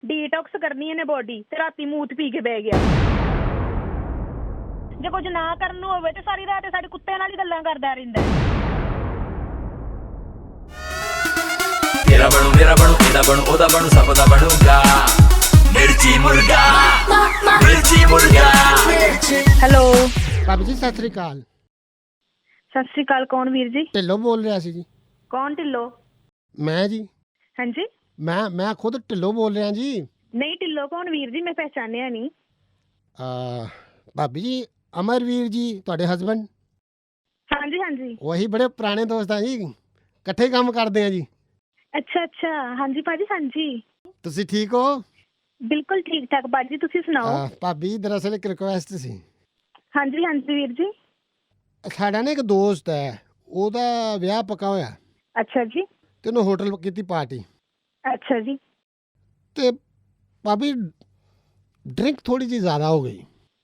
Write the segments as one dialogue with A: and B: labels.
A: Detox ਕਰਨੀ ਇਹਨੇ body ਤੇ ਰਾਤੀ ਮੂਤ ਪੀ ਕੇ ਬਹਿ ਗਿਆ। ਜੇ ਕੁਝ ਨਾ ਕਰਨ ਨੂੰ ਹੋਵੇ ਤੇ ਸਾਰੀ ਰਾਤ ਸਾਡੇ ਕੁੱਤੇ ਨਾਲ ਹੀ ਗੱਲਾਂ ਕਰਦਾ ਰਹਿੰਦਾ।
B: ਤੇਰਾ ਬਣੂ ਮੇਰਾ ਬਣੂ ਇਹਦਾ ਬਣੂ ਉਹਦਾ ਬਣੂ ਸਭ ਦਾ ਬਣੂਗਾ ਮਿਰਚੀ ਮੁਰਗਾ ਮਿਰਚੀ ਮੁਰਗਾ।
A: ਹੈਲੋ
C: ਭਾਬੀ ਜੀ ਸਤਿ ਸ੍ਰੀ ਅਕਾਲ।
A: ਸਤਿ ਸ਼੍ਰੀ ਅਕਾਲ। ਕੌਣ ਵੀਰ ਜੀ?
C: ਢਿੱਲੋਂ ਬੋਲ ਰਿਹਾ ਸੀ ਜੀ।
A: ਕੌਣ ਢਿੱਲੋਂ?
C: ਮੈਂ ਜੀ
A: ਹਾਂਜੀ
C: ਮੈਂ ਖੁਦ ਢਿੱਲੋਂ ਬੋਲ ਰਿਹਾ ਜੀ।
A: ਨਹੀਂ ਢਿੱਲੋਂ ਕੌਣ ਵੀਰ ਜੀ? ਮੈਂ ਪਹਿਚਾਨਿਆ ਨਹੀਂ।
C: ਭਾਬੀ ਜੀ ਅਮਰਵੀਰ ਜੀ ਤੁਹਾਡੇ ਹਸਬੈਂਡ?
A: ਹਾਂਜੀ ਹਾਂਜੀ
C: ਉਹੀ ਬੜੇ ਪੁਰਾਣੇ ਦੋਸਤ ਆ ਜੀ, ਇਕੱਠੇ ਕੰਮ ਕਰਦੇ ਆ ਜੀ।
A: ਅੱਛਾ ਅੱਛਾ ਹਾਂਜੀ ਭਾਜੀ ਹਾਂਜੀ
C: ਤੁਸੀਂ ਠੀਕ ਹੋ?
A: ਬਿਲਕੁਲ ਠੀਕ ਠਾਕ ਭਾਜੀ ਤੁਸੀਂ ਸੁਣਾਓ।
C: ਭਾਬੀ ਦਰਅਸਲ ਇੱਕ ਰਿਕੁਐਸਟ ਸੀ।
A: ਹਾਂਜੀ ਹਾਂਜੀ ਵੀਰ ਜੀ।
C: ਸਾਡਾ ਨਾ ਇੱਕ ਦੋਸਤ ਹੈ, ਉਹਦਾ ਵਿਆਹ ਪੱਕਾ ਹੋਇਆ
A: ਅੱਛਾ ਜੀ
C: ਤੇ ਉਹਨੇ ਹੋਟਲ ਕੀਤੀ ਪਾਰਟੀ।
A: ਅੱਛਾ ਜੀ
C: ਤੇ ਭਾਬੀ ਡਰਿੰਕ ਥੋੜੀ ਜਿਹੀ ਜ਼ਿਆਦਾ ਹੋ ਗਈ।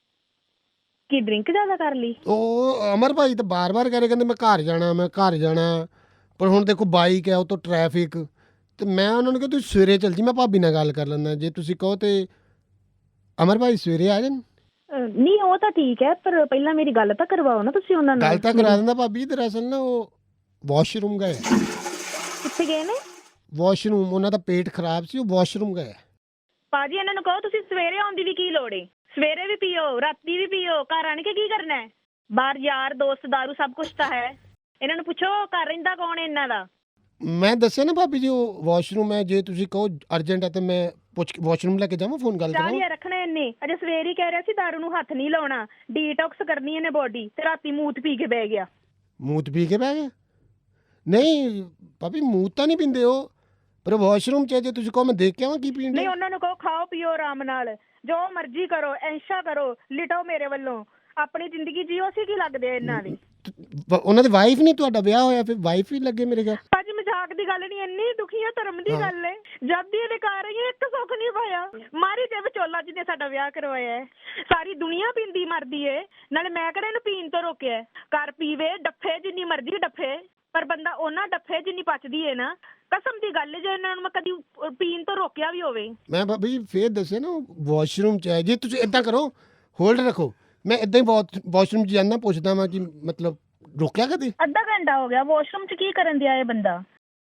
A: ਕੀ ਡਰਿੰਕ ਜ਼ਿਆਦਾ ਕਰ ਲਈ?
C: ਉਹ ਅਮਰ ਭਾਈ ਤਾਂ ਬਾਰ-ਬਾਰ ਕਰੇ ਕਹਿੰਦੇ ਮੈਂ ਘਰ ਜਾਣਾ ਪਰ ਹੁਣ ਦੇਖੋ ਬਾਈਕ ਹੈ, ਉਹ ਤੋਂ ਟ੍ਰੈਫਿਕ, ਤੇ ਮੈਂ ਉਹਨਾਂ ਨੂੰ ਕਿਹਾ ਤੁਸੀਂ ਸਵੇਰੇ ਚੱਲ ਜੀ, ਮੈਂ ਭਾਬੀ ਨਾਲ ਗੱਲ ਕਰ ਲੈਂਦਾ। ਜੇ ਤੁਸੀਂ ਕਹੋ ਤੇ ਅਮਰ ਭਾਈ ਸਵੇਰੇ ਆ ਜਾਣ।
A: ਨਹੀਂ ਉਹ ਤਾਂ ਠੀਕ ਹੈ ਪਰ ਪਹਿਲਾਂ ਮੇਰੀ ਗੱਲ ਤਾਂ ਕਰਵਾਓ ਨਾ ਤੁਸੀਂ ਉਹਨਾਂ ਨਾਲ।
C: ਗੱਲ ਤਾਂ ਕਰਾ ਦਿੰਦਾ ਭਾਬੀ। ਦਰਅਸਲ ਨਾ ਉਹ ਵਾਸ਼ਰੂਮ ਗਏ।
A: ਕਿੱਥੇ ਗਏ ਨੇ?
C: ਵਾਸ਼ਰੂਮ, ਉਹਨਾਂ ਦਾ ਪੇਟ ਖਰਾਬ ਸੀ, ਉਹ ਵਾਸ਼ਰੂਮ ਗਏ।
A: ਭਾਜੀ ਇਹਨਾਂ ਨੂੰ ਕਹੋ ਤੁਸੀਂ ਸਵੇਰੇ ਆਉਣ ਦੀ ਵੀ ਕੀ ਲੋੜ ਏ? ਸਵੇਰੇ ਵੀ ਪੀਓ ਰਾਤੀ ਵੀ ਪੀਓ, ਘਰ ਆਣ ਕੇ ਕੀ ਕਰਨਾ ਹੈ? ਬਾਹਰ ਯਾਰ ਦੋਸਤ ਦਾਰੂ ਸਭ ਕੁਝ ਤਾਂ ਹੈ। ਇਹਨਾਂ ਨੂੰ ਪੁੱਛੋ ਘਰ ਰਹਿੰਦਾ ਕੌਣ ਹੈ ਇਹਨਾਂ ਦਾ।
C: ਮੈਂ ਦੱਸਿਆ ਨਾ ਭਾਬੀ ਜੀ ਉਹ ਵਾਸ਼ਰੂਮ ਹੈ, ਜੇ ਤੁਸੀਂ ਕਹੋ ਅਰਜੈਂਟ ਹੈ ਤੇ ਮੈਂ ਪੁੱਛ ਕੇ ਵਾਸ਼ਰੂਮ ਲੈ ਕੇ ਜਾਵਾਂ, ਫੋਨ ਗੱਲ ਕਰਾਂ।
A: ਚਾਹੀਏ ਰੱਖਣਾ ਇਹਨੇ ਅਜੇ ਸਵੇਰੇ ਹੀ ਕਹਿ ਰਿਹਾ ਸੀ ਦਾਰੂ ਨੂੰ ਹੱਥ ਨਹੀਂ ਲਾਉਣਾ, ਡੀਟੌਕਸ ਕਰਨੀ ਇਹਨੇ ਬੋਡੀ ਤੇ ਰਾਤੀ ਮੂਤ ਪੀ ਕੇ ਬਹਿ ਗਿਆ।
C: ਮੂਤ ਪੀ ਕੇ ਬਹਿ ਗਿਆ? ਨਹੀਂ ਭਾਬੀ ਮੂਤ ਤਾਂ ਨਹੀਂ ਪੀਂਦੇ ਉਹ, ਪਰ ਵਾਸ਼ਰੂਮ 'ਚ ਜੇ ਤੁਸੀਂ ਕਹੋ ਮੈਂ ਦੇਖ ਕੇ ਆਵਾਂ ਕੀ ਪੀਂਦੇ।
A: ਨਹੀਂ ਉਹਨਾਂ ਨੂੰ ਕਹੋ ਖਾਓ ਪੀਓ ਆਰਾਮ ਨਾਲ, ਜੋ ਮਰਜ਼ੀ ਕਰੋ, ਐਂਸ਼ਾ ਕਰੋ, ਲਿਟੋ ਮੇਰੇ ਵੱਲੋਂ, ਆਪਣੀ ਜ਼ਿੰਦਗੀ ਜੀਓ। ਸੀ ਕੀ ਲੱਗਦੇ ਆ ਇਹਨਾਂ ਦੀ?
C: ਉਹਨਾਂ ਦੀ ਵਾਈਫ ਨਹੀਂ, ਤੁਹਾਡਾ ਵਿਆਹ ਹੋਇਆ ਫਿਰ ਵਾਈਫ ਹੀ ਲੱਗੇ ਮੇਰੇ ਘਰ।
A: ਭਾਜੀ ਮਜ਼ਾਕ ਦੀ ਗੱਲ ਨਹੀਂ, ਇੰਨੀ ਦੁਖੀਆ ਧਰਮ ਦੀ ਗੱਲ ਹੈ। ਜਦ ਦੀ ਇਹਨੇ ਘਰ ਆਈ ਇੱਕ ਸੁੱਖ ਨਹੀਂ ਪਾਇਆ। ਮਾਰੀ ਤੇ ਵਿਚੋਲਾ ਜਿਹਨੇ ਸਾਡਾ ਵਿਆਹ ਕਰਵਾਇਆ ਹੈ। ਸਾਰੀ ਦੁਨੀਆ ਪੀਂਦੀ ਮਰਦੀ ਏ, ਨਾਲੇ ਮੈਂ ਕਿਹੜਾ ਇਹਨੂੰ ਪੀਣ ਤੋਂ ਰੋਕਿਆ। ਘਰ ਪੀਵੇ ਡੱਫੇ ਜਿੰਨੀ ਮਰਜ਼ੀ ਡੱਫੇ, ਪਰ ਬੰਦਾ ਉਹਨਾਂ ਡੱਫੇ ਜਿੰਨੀ ਪਚਦੀ ਏ ਨਾ। ਕਸਮ ਦੀ ਗੱਲ ਜੇ ਇਹਨਾਂ ਨੂੰ ਮੈਂ ਕਦੀ ਪੀਣ ਤੋਂ ਰੋਕਿਆ ਵੀ ਹੋਵੇ।
C: ਮੈਂ ਭਾਬੀ ਫੇਰ ਦੱਸਿਆ ਨਾ ਵਾਸ਼ਰੂਮ 'ਚ ਹੈ। ਜੇ ਤੁਸੀਂ ਏਦਾਂ ਕਰੋ ਹੋਲਡ ਰੱਖੋ, ਮੈਂ ਏਦਾਂ ਹੀ ਵਾਸ਼ਰੂਮ 'ਚ ਜਾਂਦਾ ਪੁੱਛਦਾ ਵਾਂ ਕਿ ਮਤਲਬ ਰੋਕਿਆ ਕਦੇ?
A: ਅੱਧਾ ਘੰਟਾ ਹੋ ਗਿਆ ਵਾਸ਼ਰੂਮ 'ਚ ਕੀ ਕਰਨ ਦਿਆ ਇਹ ਬੰਦਾ?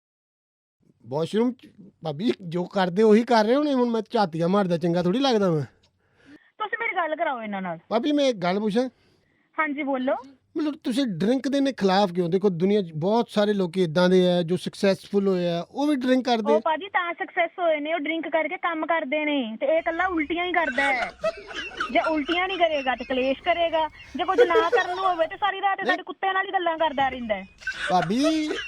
C: ਵਾਸ਼ਰੂਮ 'ਚ ਭਾਬੀ ਜੋ ਕਰਦੇ ਉਹੀ ਕਰ ਰਹੇ ਹੋਣੇ। ਹੁਣ ਮੈਂ ਝਾਤੀਆਂ ਮਾਰਦਾ ਚੰਗਾ ਥੋੜੀ ਲੱਗਦਾ ਮੈਂ।
A: ਤੁਸੀਂ ਮੇਰੀ ਗੱਲ ਕਰਾਓ ਇਹਨਾਂ ਨਾਲ।
C: ਭਾਬੀ ਮੈਂ ਇੱਕ ਗੱਲ ਪੁੱਛਾਂ?
A: ਹਾਂਜੀ ਬੋਲੋ।
C: ਮਤਲਬ ਤੁਸੀਂ ਡਰਿੰਕ ਦੇ ਖਿਲਾਫ ਕਿਉਂ? ਦੇਖੋ ਦੁਨੀਆ 'ਚ ਬਹੁਤ ਸਾਰੇ ਲੋਕ ਇਦਾਂ ਦੇ ਆ ਜੋ ਸਕਸੈਸਫੁਲ ਹੋਏ ਆ, ਉਹ ਵੀ ਡਰਿੰਕ ਕਰਦੇ।
A: ਉਹ ਭਾਜੀ ਤਾਂ ਸਕਸੈਸ ਹੋਏ ਨੇ, ਉਹ ਡਰਿੰਕ ਕਰਕੇ ਕੰਮ ਕਰਦੇ ਨੇ, ਤੇ ਇਹ ਇਕੱਲਾ ਉਲਟੀਆਂ ਹੀ ਕਰਦਾ ਹੈ। ਜੇ ਉਲਟੀਆਂ ਨਹੀਂ ਕਰੇਗਾ ਤੇ ਕਲੇਸ਼ ਕਰੇਗਾ, ਜੇ ਕੁਝ ਨਾ ਕਰਨ ਨੂੰ ਹੋਵੇ ਤੇ ਸਾਰੀ ਰਾਤ ਸਾਡੇ ਕੁੱਤੇ ਨਾਲ ਹੀ ਗੱਲਾਂ ਕਰਦਾ ਰਹਿੰਦਾ ਹੈ।
C: ਭਾਬੀ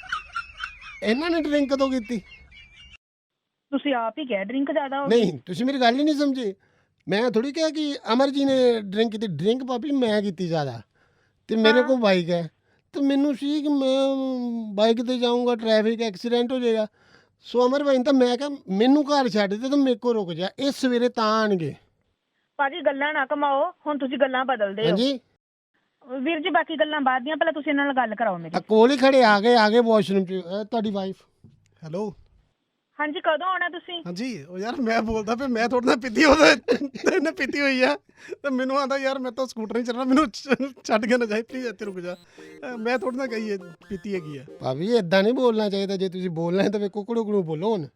C: ਇਹਨਾਂ ਨੇ ਡਰਿੰਕ ਕਦੋਂ ਕੀਤੀ?
A: ਤੁਸੀਂ ਆਪ ਹੀ ਕਿਹਾ ਡਰਿੰਕ ਜ਼ਿਆਦਾ ਹੋ ਗਈ।
C: ਨਹੀਂ ਤੁਸੀਂ ਮੇਰੀ ਗੱਲ ਹੀ ਨਹੀਂ ਸਮਝੇ। ਮੈਂ ਥੋੜੀ ਕਿਹਾ ਕਿ ਅਮਰ ਜੀ ਨੇ ਡਰਿੰਕ ਕੀਤੀ। ਡਰਿੰਕ ਭਾਬੀ ਮੈਂ ਕੀਤੀ ਜ਼ਿਆਦਾ, ਤੇ ਮੇਰੇ ਕੋਲ ਬਾਈਕ ਹੈ, ਤੇ ਮੈਨੂੰ ਸੀ ਕਿ ਮੈਂ ਬਾਈਕ ਤੇ ਜਾਊਂਗਾ, ਟ੍ਰੈਫਿਕ ਐਕਸੀਡੈਂਟ ਹੋ ਜਾਏਗਾ। ਸੋ ਅਮਰ ਭਾਈ ਤਾਂ ਮੈਂ ਕਿਹਾ ਮੈਨੂੰ ਘਰ ਛੱਡ ਦੇ ਤੇ ਮੇਰੇ ਕੋਲ ਰੁਕ ਜਾ, ਇਹ ਸਵੇਰੇ ਤਾਂ ਆਣਗੇ।
A: ਭਾਜੀ ਗੱਲਾਂ ਨਾ ਕਮਾਓ, ਹੁਣ ਤੁਸੀਂ ਗੱਲਾਂ ਬਦਲਦੇ ਹੋ।
C: ਹਾਂਜੀ
A: ਵੀਰ ਜੀ ਬਾਕੀ ਗੱਲਾਂ ਬਾਅਦ ਦੀਆਂ, ਪਹਿਲਾਂ ਤੁਸੀਂ ਇਹਨਾਂ ਨਾਲ ਗੱਲ ਕਰਾਓ ਮੇਰੀ।
C: ਕੋਲ ਹੀ ਖੜੇ ਆ ਗਏ ਵਾਸ਼ਰੂਮ 'ਚ। ਤੁਹਾਡੀ ਵਾਈਫ?
D: ਹੈਲੋ
A: ਹਾਂਜੀ ਕਦੋਂ ਆਉਣਾ ਤੁਸੀਂ?
D: ਹਾਂਜੀ ਉਹ ਯਾਰ ਮੈਂ ਬੋਲਦਾ ਪਿਆ, ਮੈਂ ਤੁਹਾਡੇ ਨਾਲ ਪੀਤੀ ਉਹਨੇ ਪੀਤੀ ਹੋਈ ਆ, ਤੇ ਮੈਨੂੰ ਆਂਦਾ ਯਾਰ ਮੈਂ ਤਾਂ ਸਕੂਟਰ ਨਹੀਂ ਚੱਲਣਾ, ਮੈਨੂੰ ਛੱਡ ਕੇ ਨਾ ਜਾਏ ਪਲੀਜ਼, ਇੱਥੇ ਰੁਕ ਜਾ। ਮੈਂ ਤੁਹਾਡੇ ਨਾਲ ਕਹੀ ਪੀਤੀ ਹੈਗੀ ਆ। ਭਾਬੀ
C: ਇਦਾਂ ਨਹੀਂ ਬੋਲਣਾ ਚਾਹੀਦਾ। ਜੇ ਤੁਸੀਂ ਬੋਲਣਾ ਹੈ ਤਾਂ ਵੇ ਕੁਕੜੂ ਬੋਲੋ ਹੁਣ।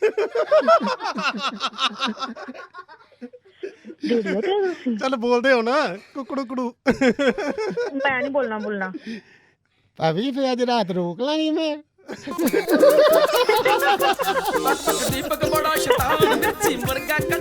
D: ਚੱਲ ਬੋਲਦੇ ਹੋ ਨਾ ਕੁਕੜੂ।
A: ਮੈਂ ਨਹੀਂ ਬੋਲਣਾ।
C: ਭਾਬੀ ਫਿਰ ਅੱਜ ਰਾਤ ਰੋਕ ਲਾਂਗੀ ਮੈਂ।
B: ਦੀਪਕ ਬੜਾ ਸ਼ੈਤਾਨ ਮਿਰਚੀ ਮੁਰਗਾ